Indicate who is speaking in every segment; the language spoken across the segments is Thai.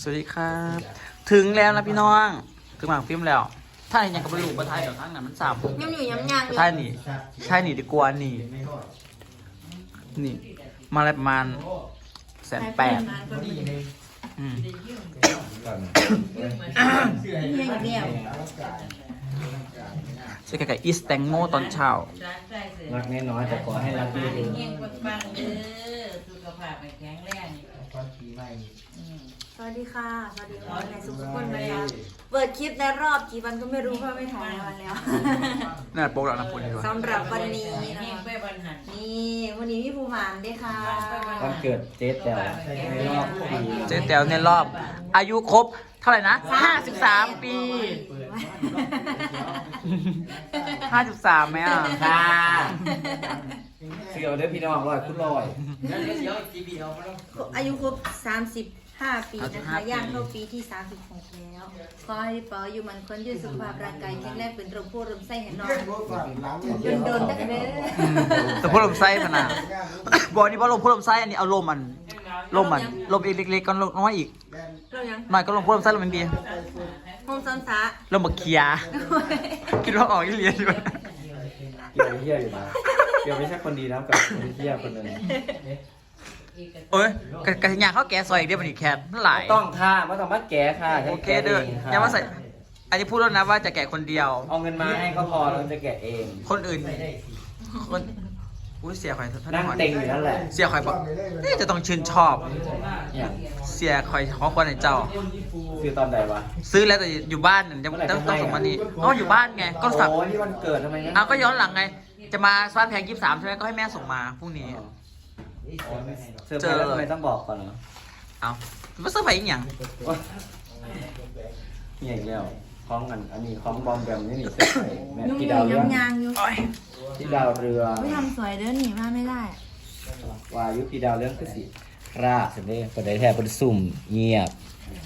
Speaker 1: สวัสดีครับ ถึงแล้วนะพี่น้องถึงหมากฟิล์มแล้ว ถ้ายังกับบรรลุประทายกับทั้งนั้นมันสาม
Speaker 2: ยังอยู่ยังยังอยู่
Speaker 1: ใช่หนีใช่หนีดีกว่านี่มาอะไรประมาณ180,000อืม
Speaker 2: ยังอยู่แล้ว
Speaker 1: ใช่ไก่อีสแตงโมตอนเช้า
Speaker 3: รักน้อยๆแต่ขอให้รักดี
Speaker 4: เงี้ยปังๆเด้อสุขภาพแข็งแรง
Speaker 2: สวัสดีค่ะสวัสดีค่ะในสุขทุกคนนะคะเปิดคลิปในรอบกี่วันก็ไม่รู้เพราะไม่ถ่ายวันแล้ว
Speaker 1: น่าโป๊กแล้วนะพูดดีกว่า
Speaker 2: สำหรับวันนี้นะ
Speaker 4: เงี้ย
Speaker 2: คะ
Speaker 4: ไปวันหัน
Speaker 2: นี่วันนี้พี่ภูหมานด้วยค่ะ
Speaker 3: วันเกิดเจ๊แต๋วในรอบปี
Speaker 1: เจ๊แต๋วในรอบ อายุครบเท่าไหร่นะ53 ปี53ไหมอ่ะ
Speaker 3: ค่ะเสี่ยวเด้อพี่น้องร้อยคุณร้อย
Speaker 2: อายุครบ35 ปีนะคะย่างเข้าปีที่36แล้วขอให้พี่ปออยู่มันคนยืดสุขภาพร่างกายแข็งแรงเป็นลมโพลมไส้เห็นนอนโดนตั้งแต่
Speaker 1: แต่พวกลมไส้พนาบอกนี่ว่าลมพวกลมไส้อันนี้เอาลมมันลมอีกเล็กๆก็ลมน้อยอีก
Speaker 2: เรายัง
Speaker 1: หน่อยก็ลมพวกลมไส้ลมมันดี
Speaker 2: โฮมซันซะ
Speaker 1: ลมบักเคียคิดว่าออกที่เรียนอยู่
Speaker 3: เกี่ยวเหี้ยอยู่มาเกี่ยวไม่ใช่คนดีนะกับคนเหี้ยคนหนึ่ง
Speaker 1: โอ้ยกระถิ่างเขาแกะซอยอีกเดียวมันอีกแคบหลาย
Speaker 3: ต้องค่ะไม่ต้องมาแก่ค่ะ
Speaker 1: โอเคเด้ออย่ามาใส่อันนี้พูดแล้วนะว่าจะแกะคนเดียว
Speaker 3: เอาเงินมาให้ก็พอเราจะแกะเอง
Speaker 1: คนอื่นคนอุ้ยเสียข่อย
Speaker 3: นั่งเต็งอยู่นั่นแหละ
Speaker 1: เสียข่อยบอกนี่จะต้องชื่นชอบ
Speaker 3: อย่าง
Speaker 1: เสียข่อยของคนในเจ้า
Speaker 3: คือตอนใดวะ
Speaker 1: ซื้อแล้วแต่อยู่บ้านยังต้องส่งมานี่อ๋ออยู่บ้านไงก็สั่ง
Speaker 3: โอ้ที่วันเกิดทำไมงั้น
Speaker 1: เอาก็ย้อนหลังไง จะมาบ้านแพง23ใช่ไหมก็ให้แม่ส่งมาพรุ่งนี้
Speaker 3: เซอร์ไพรส์แล้วทำไมต้องบอกก่อนเนาะ
Speaker 1: เอาไม่เซอร์ไพรส์อีกอย่าง
Speaker 3: นี่อย่างเดียวคล้องกันอันนี้คล้องบอมแบมนี่เสร็จไปแม่
Speaker 2: ยุ่ง
Speaker 3: พี่
Speaker 2: อยู่
Speaker 3: ดาวเรื
Speaker 2: ยั
Speaker 3: อง
Speaker 2: ยังอยู่
Speaker 3: พี่ดาวเรือ
Speaker 2: ไม่ทำสวยเด้อหนีมาไม่ได้
Speaker 3: วายุพี่ดาวเรื่องคือสิราบเสร็จเลยคนใดแทบเป็นสุ่มเงียบ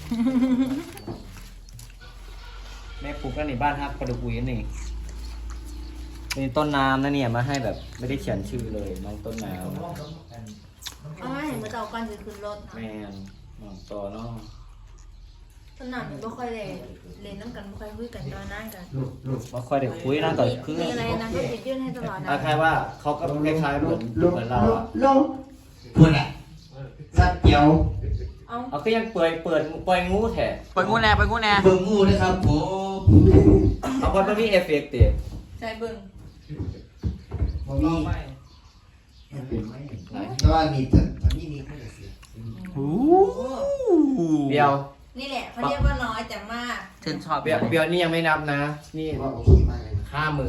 Speaker 3: แม่ปลูกแล้วในบ้านฮักกระดูกอุยนี่เป็นต้นน้ำนะเนี่ยมาให้แบบไม่ได้เขียนชื่อเลยน้องต้นน้
Speaker 2: เอามาเห็นมาต่อก่อนจะขึ้นรถ
Speaker 3: ำแมนน้องต่อเนาะ
Speaker 2: ตอนนั้นไม่ค่อยเลยเล่นน้ำกันไม่ค่อยคุยกันตอนนั้นกัน
Speaker 3: มาค่อยได้คุยนะก่อนคือ
Speaker 2: มีอะไรนะก็จะยื่นให้ตลอดนะ
Speaker 3: คล้ายๆว่าเขาก็คล้ายๆเหมือนเราอะ
Speaker 5: พูดอ่ะสักเดียว
Speaker 2: เอา
Speaker 3: เอาก็ยังเปิดงูแท้
Speaker 1: ไปงูแน่
Speaker 5: เบิ่งงูนะครับผม
Speaker 3: เอาคนไม่มีเอฟเฟกต์เตะ
Speaker 2: ใจเบิ่ง
Speaker 5: มีแต่ว่ามีแต่นี่มีแค่เสีย
Speaker 3: เดียว
Speaker 2: นี่แหละเขาเรียกว่าน้อยแต่มาก
Speaker 1: ฉันชอบ
Speaker 3: เบียวนี่ยังไม่นับนะ นี่
Speaker 5: ว่าโอเคมากเลย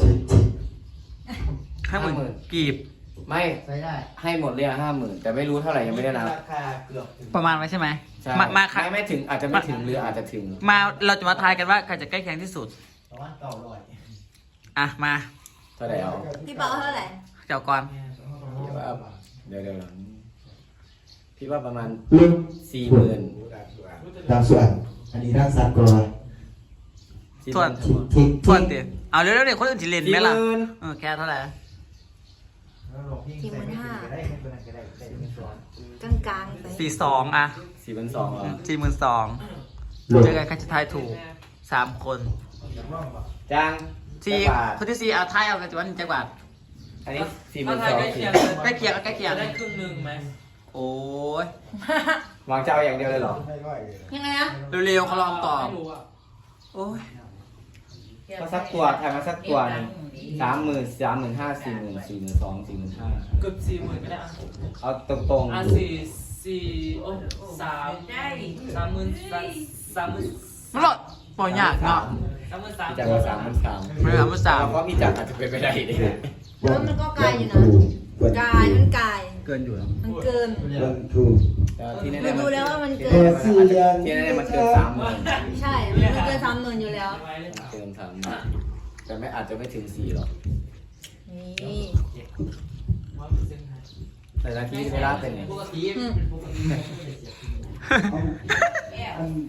Speaker 3: 50,000
Speaker 1: กีบ
Speaker 3: ไม่
Speaker 5: ใช้ได้
Speaker 3: ให้หมดเลย50,000แต่ไม่รู้เท่าไหร่ยังไม่ได้นับ
Speaker 5: ราคาเกือบ
Speaker 1: ประมาณไว้ใช่ไหม
Speaker 3: ใช่
Speaker 1: มาค่ะ
Speaker 3: ไม่ถึงอาจจะไม่ถึงหรืออาจจะถึง
Speaker 1: มาเราจะมาทายกันว่าใครจะใกล้เคียงที่สุด
Speaker 5: ประมาณ900
Speaker 1: อ่ะมา
Speaker 3: เท่าไหร่เอา
Speaker 2: พี่เปาเท่าไหร่
Speaker 1: เจ้าก่อน
Speaker 3: เดี๋ยวพี่ว่าประมาณ
Speaker 5: ลึก
Speaker 3: 40,000
Speaker 5: ดังส่วนอันนี้ด้านซ้ายก่อน
Speaker 1: ส่วน
Speaker 5: ทิ้ง
Speaker 1: ส่วนเดียวเอาเร็วๆเดี๋ยวคนอื่นจะเล่นไหมล่ะ
Speaker 3: 40,000
Speaker 1: แค่เท่าไหร่
Speaker 2: กลางๆไป
Speaker 1: 42อ่ะ
Speaker 3: 4,200เหรอ
Speaker 1: 42,000เจอกันใครจะทายถูก3 คน
Speaker 3: จ้าง
Speaker 1: สี่
Speaker 3: จักรบาท
Speaker 1: คนที่4เอาทายเอากันจะวันจังหวัด
Speaker 3: อันนี้
Speaker 4: ถ้าไทยได้
Speaker 3: 42,000
Speaker 4: เคียง
Speaker 1: ใกล้เคียงเอาใกล้เคียง
Speaker 4: ได้ครึ่งหนึ่งไหม
Speaker 1: โอ้ย
Speaker 3: วางเจ้าอย่างเดียวเลยเหรอ
Speaker 2: ยังไงนะ
Speaker 1: เร็วๆเขาลองตอบ
Speaker 4: ไม่รู้อ่ะ
Speaker 1: โอ้ย
Speaker 3: มาสักตัวถ่ายมาสักตัวหนึง30,000 35,000 40,000 42,000 45,000
Speaker 4: เกือบ40,000ไม่ได้อ่ะ
Speaker 3: เอาตรง
Speaker 4: อ่ะสี่โอ้30,000
Speaker 1: มันหลดปล่อยยากเนาะ
Speaker 3: ๆจากว่า3,300
Speaker 1: ไม่เอามาสาม
Speaker 3: เพราะมีจักรอาจจะเป็นไปได้ดิ
Speaker 2: แล้วมันก็ไกลอยู่นะไกลมันไกล
Speaker 1: เกินอยู่แล้ว
Speaker 2: มันเกิน
Speaker 5: เบิ่งถูก
Speaker 3: ที่แน่
Speaker 2: ดู
Speaker 3: ๆ
Speaker 2: ดูแล้วว่ามันเกิ
Speaker 5: แต่
Speaker 2: น
Speaker 5: สี่เดือน
Speaker 3: ที่แน่ๆมันเกิน30,000
Speaker 2: ใช่มันเกิน30,000อยู่แล้ว
Speaker 3: เกิน30,000แต่ไม่อาจจะไม่ถึง4หรอก
Speaker 2: นี่
Speaker 3: แต่ละที่เวลาเป็นไง
Speaker 2: อืม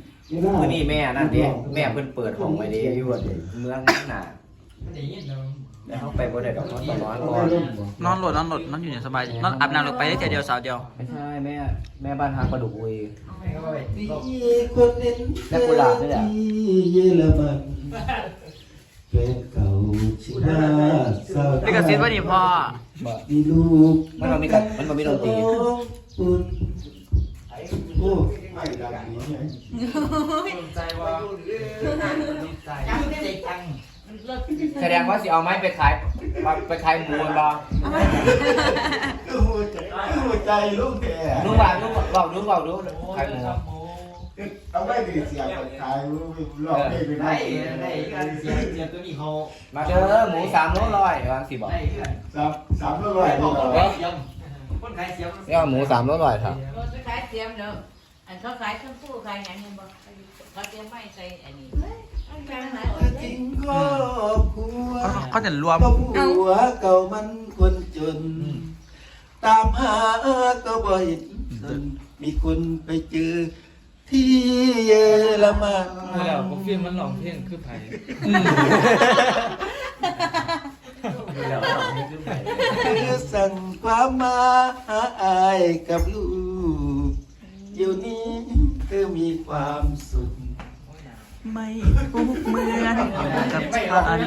Speaker 3: มื่อนี้แม่นั่นเด้แม่เพิ่นเปิดห้องไว้เด้อยู่เมืองหน้าแต่เขาไปบ่ได้ดอกเขาต้องนอนก่อน
Speaker 1: นอนโหลดนอนอยู่เนี่ยสบายนอนอาบน้ำลงไปได้เดียวสาวเดียว
Speaker 3: ไม่ใช่แม่บ้านฮักปลาดุกอุย
Speaker 5: มีคนเล่น
Speaker 3: และกุหลาบนี่แหละ
Speaker 5: เยอรมันแฟนเก่าชื่อว่าสาว
Speaker 1: นี่กระซิบว่านี่พ่อ
Speaker 3: บ่
Speaker 5: มีลูก
Speaker 3: มันบ่มีดนตรี
Speaker 5: อุ่นโอ้ไม่ดังนี้ไง
Speaker 3: แสดงว่าสิเอาไม้ไปขายหมูมันบ่
Speaker 5: คือหัวใจลูกแก่
Speaker 3: ลุงว่าลุงบอกลุงขายหมู
Speaker 5: เอาไม่ดีเสียงขายลูกหลอกได้ไปได้
Speaker 3: เสียตัวนี้เขามาเด้อหมู3 โลร้อยวางสิบ่
Speaker 5: สามร้อยนี่เหรอ
Speaker 3: เอาหมู3 โลร้อยครับ
Speaker 4: รถจะขายเตรียมเนาะอันเขาขายเครื่องคู่ขายหยังเห็นบ่เขาเตรียมไม่ใส่อันนี้อันกลางไหน
Speaker 5: จริงครอบครัว
Speaker 1: เขาจะรวม
Speaker 5: ก็ผัวเก่ามันคนจน ตามหาก็บ่เห็นจนมีคนไปเจอที่เยอรมัน
Speaker 6: แล้วผมฟิล์มมันหลองเพลงคือไผ่
Speaker 5: คือสั่งความมาหาอายกับลูกเดี๋ยวนี้เธอมีความสุข
Speaker 1: ไม่ทุกเหมือนกับฉัน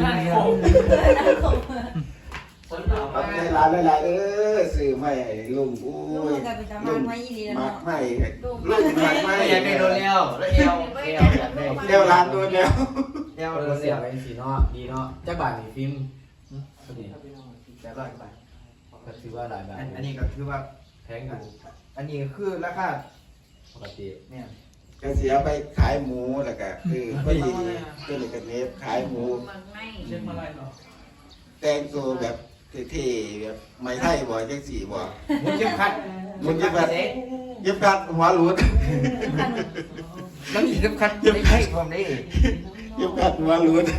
Speaker 5: เอาใจร้านหลายๆซื้อไม่ลุงอุ้
Speaker 2: ลูก
Speaker 5: ย
Speaker 2: กับเป็นตามันไม่ยีดีแล้ว
Speaker 5: มา
Speaker 2: เนาะ
Speaker 5: กไม่ลูกมากไม่
Speaker 3: อยากได้โดนแล้วเอว
Speaker 5: เดี๋ยวร้านโดนแล้ว
Speaker 3: เอวเสียไปสีเนาะดีเนาะจักบาทนี่ฟิล์มพอดีแต่ร้อยบาทก็ถือว่าหลายบาท
Speaker 5: อันนี้ก็คือว่า
Speaker 3: แพงอยู่
Speaker 5: อันนี้คือราคา
Speaker 3: ปกติ
Speaker 5: เนี่ยก็เสียไปขายหมูแล้วก็คือพอดีก็เลยกันเนฟขายหมู
Speaker 4: มันไม่
Speaker 6: เช่นอะไรเนาะ
Speaker 5: แต่งตัวแบบเท่ๆแบบไม่ไทยบ่จังสีบ่
Speaker 3: มุนเข็มขัด
Speaker 5: มันจะแบบเย็บกัดหัวหลุด
Speaker 3: แล้วมีเข็มขัดไม่ให้ผมได้
Speaker 5: เย็บกัดหัวหลุด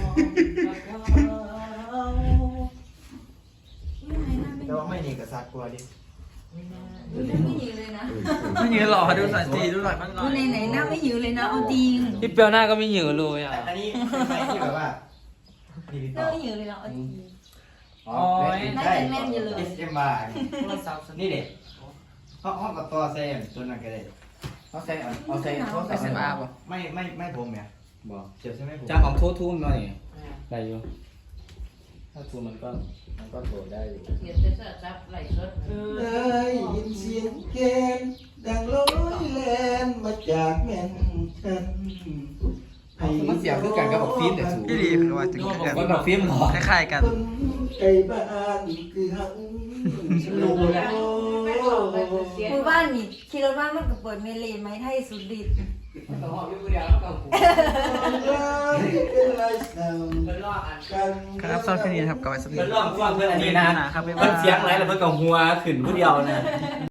Speaker 5: แต่ว่าไม่นี่ก็ซักกว่าดิ
Speaker 2: ไม่ยืนเลยนะ
Speaker 1: ไม่ยืนหรอดูหน่อยสิดูหน่อยมันหน่
Speaker 2: ดู
Speaker 1: อย
Speaker 2: ไหนหน้าไม่ยืนเลยนะเอาจริง
Speaker 6: พี่เปียวหน้าก็ไม่เหยือเลยอ่ะ
Speaker 5: อันนี้ไม่ที่แบบว่านี่พี่
Speaker 2: ห
Speaker 5: ต่
Speaker 2: น้า
Speaker 5: อ
Speaker 2: ไม่ยืนเลยนะเอาจริง
Speaker 3: อ๋อ
Speaker 2: น่าจะแม่นอยู่เลย
Speaker 5: SM มานี่เด็กห้องกับตัวเซมตัวนั้นก็ได้
Speaker 3: เอาใส่เขาใส่
Speaker 1: เสมาป่ะ
Speaker 5: ไม่ผมเนี่ย
Speaker 3: บอก
Speaker 5: เจ็บใช่ไหมผม
Speaker 3: จ้างของทุ่มหน่อยได้อยู่ถ้าทุ่มมันก็โดดได้อยู่
Speaker 4: เขียนเป็นซับไหลสด
Speaker 5: ได้ยินเสียงเกมดังลอยแลนมาจากแม่นฉัน
Speaker 3: มันเสียงคือกันกับบอกฟิล์มแต่สูง
Speaker 1: พี่ดีคือว่าถึง
Speaker 3: มันบอกฟิล์มหรอ
Speaker 1: คล้ายๆกัน
Speaker 5: คนไกลบ้านคือหังลูกโล
Speaker 2: หมู่บ้านนี่ขี่รถบ้านมันก็เปิดเมลีไม้ไทยสุดฤทธิ์
Speaker 3: ต้องหอบอยู่เดียวแล้วก็หู
Speaker 5: เป็นไรเศร้า
Speaker 3: เป็นรอบอัน
Speaker 5: กัน
Speaker 1: ครับสำหรับคลิปนี้นะครับก็ไว้สักนิ
Speaker 3: เป็
Speaker 1: ด
Speaker 3: นรอบกว้างเพื่อนอันนี้นะ
Speaker 1: ครับ
Speaker 3: มันเสียงไรแล้วมันก็หัวขึ้นผู้เดียวนะ